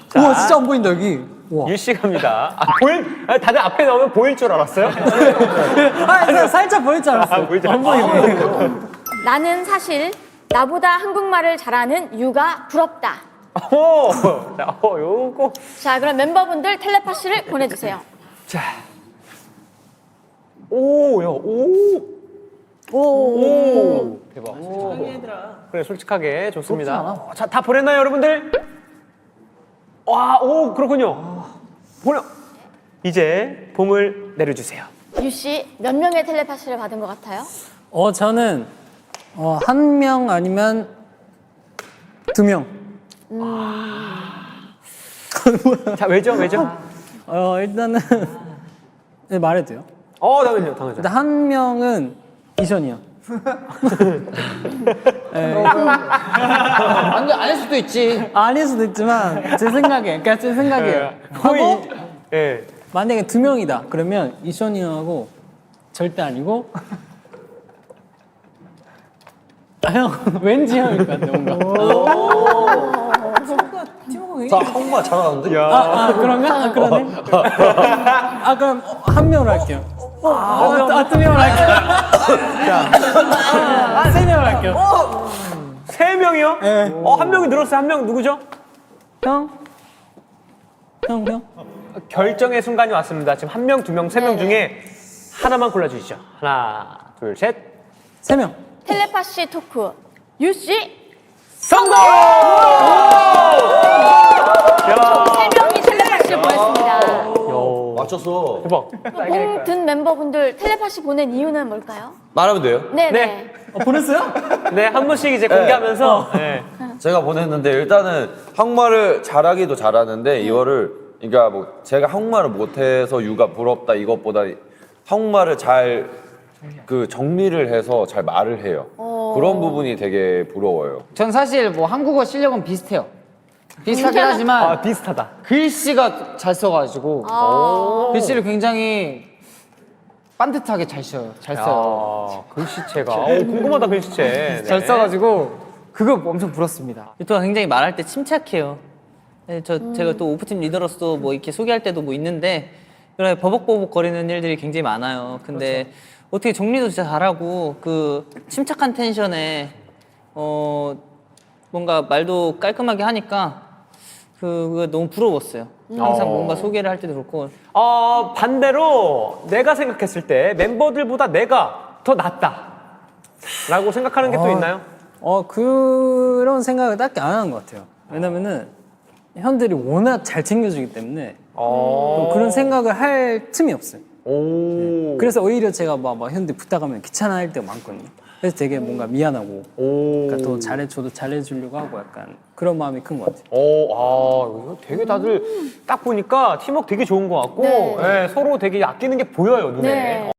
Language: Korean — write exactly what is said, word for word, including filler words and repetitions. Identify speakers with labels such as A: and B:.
A: 우와 진짜 안 보인다 여기. 우와.
B: 유씨 갑니다. 아, 보일, 아, 다들 앞에 나오면 보일 줄 알았어요?
A: 아 그냥 살짝 보일 줄 알았어.
B: 아, 보일 줄
A: 안 보이네.
C: 나는 사실 나보다 한국말을 잘하는 유가 부럽다.
B: 오, 자, 어, 요거.
C: 자, 그럼 멤버분들 텔레파시를 보내주세요.
B: 자. 오, 야, 오.
C: 오.
B: 오. 대박. 그래, 솔직하게 좋습니다. 자, 다 보냈나요, 여러분들? 와, 오, 그렇군요. 보내. 이제 봄을 내려주세요.
C: 유씨 몇 명의 텔레파시를 받은 것 같아요?
A: 어 저는 어, 한 명 아니면 두 명.
B: 자, 왜죠, 왜죠?
A: 어 일단은 네, 말해도 돼요?
B: 어, 당연히요, 당연히요.
A: 일단 한 명은 이션이요. 네.
D: 안돼 아닐 수도 있지.
A: 아닐 수도 있지만 제 생각에, 그러니까 제 생각이에요.
B: 거의,
A: 하고
B: 예.
A: 만약에 두 명이다. 그러면 이션이 형하고 절대 아니고. 아, 형 왠지 형일 것 같아 뭔가.
E: 자, 한국말 잘하는데?
B: 야.
A: 아, 아 그런가? 아 그러네. 아 그럼 한 명으로 할게요. 아, 아, 두 명으로 할게요. 아, 세 명으로 할게요.
B: 세 명이요?
A: 네.
B: 어, 한 명이 늘었어요. 한 명 누구죠?
A: 형? 형, 형?
B: 결정의 순간이 왔습니다. 지금 한 명, 두 명, 세 명
C: 네네.
B: 중에 하나만 골라주시죠. 하나, 둘, 셋.
A: 세 명.
C: 텔레파시 토크 유씨
B: 성공!
C: 세 명이 텔레파시를 보냈습니다.
E: 맞췄어.
B: 대박.
C: 몽든 멤버분들 텔레파시 보낸 이유는 뭘까요?
E: 말하면 돼요?
C: 네네.
B: 네.
A: 어, 보냈어요?
B: 네, 한 분씩 이제 공개하면서. 네.
E: 제가 보냈는데 일단은 한국말을 잘하기도 잘하는데 이거를 그러니까 뭐 제가 한국말을 못해서 유가 부럽다 이것보다 한국말을 잘 그 정리를 해서 잘 말을 해요. 그런 부분이 되게 부러워요.
D: 전 사실 뭐 한국어 실력은 비슷해요. 비슷하긴 하지만
B: 아, 비슷하다.
D: 글씨가 잘 써가지고
C: 아.
D: 글씨를 굉장히 반듯하게 잘 써요. 잘 써요.
B: 아, 글씨체가. 오, 궁금하다, 글씨체. 네.
D: 잘 써가지고 그거 엄청 부럽습니다.
F: 유토가 굉장히 말할 때 침착해요. 네, 저 제가 또 오프팀 리더로서 뭐 이렇게 소개할 때도 뭐 있는데 그런 버벅버벅 거리는 일들이 굉장히 많아요. 근데
B: 그렇죠.
F: 어떻게 정리도 진짜 잘하고 그 침착한 텐션에 어 뭔가 말도 깔끔하게 하니까 그거 너무 부러웠어요. 항상
B: 어.
F: 뭔가 소개를 할 때도 그렇고
B: 어, 반대로 내가 생각했을 때 멤버들보다 내가 더 낫다. 라고 생각하는 게 또 있나요?
A: 어, 그런 생각을 딱히 안 하는 것 같아요. 왜냐면은 현들이 워낙 잘 챙겨주기 때문에
B: 어.
A: 또 그런 생각을 할 틈이 없어요.
B: 오.
A: 그래서 오히려 제가 막, 막 현들 부탁하면 귀찮아할 때가 많거든요. 그래서 되게 뭔가 미안하고
B: 오.
A: 그러니까 또 잘해줘도 잘해주려고 하고 약간 그런 마음이 큰 것 같아요.
B: 오, 아, 이거 되게 다들 딱 보니까 팀워크 되게 좋은 것 같고
C: 네.
B: 예, 서로 되게 아끼는 게 보여요, 눈에.
C: 네.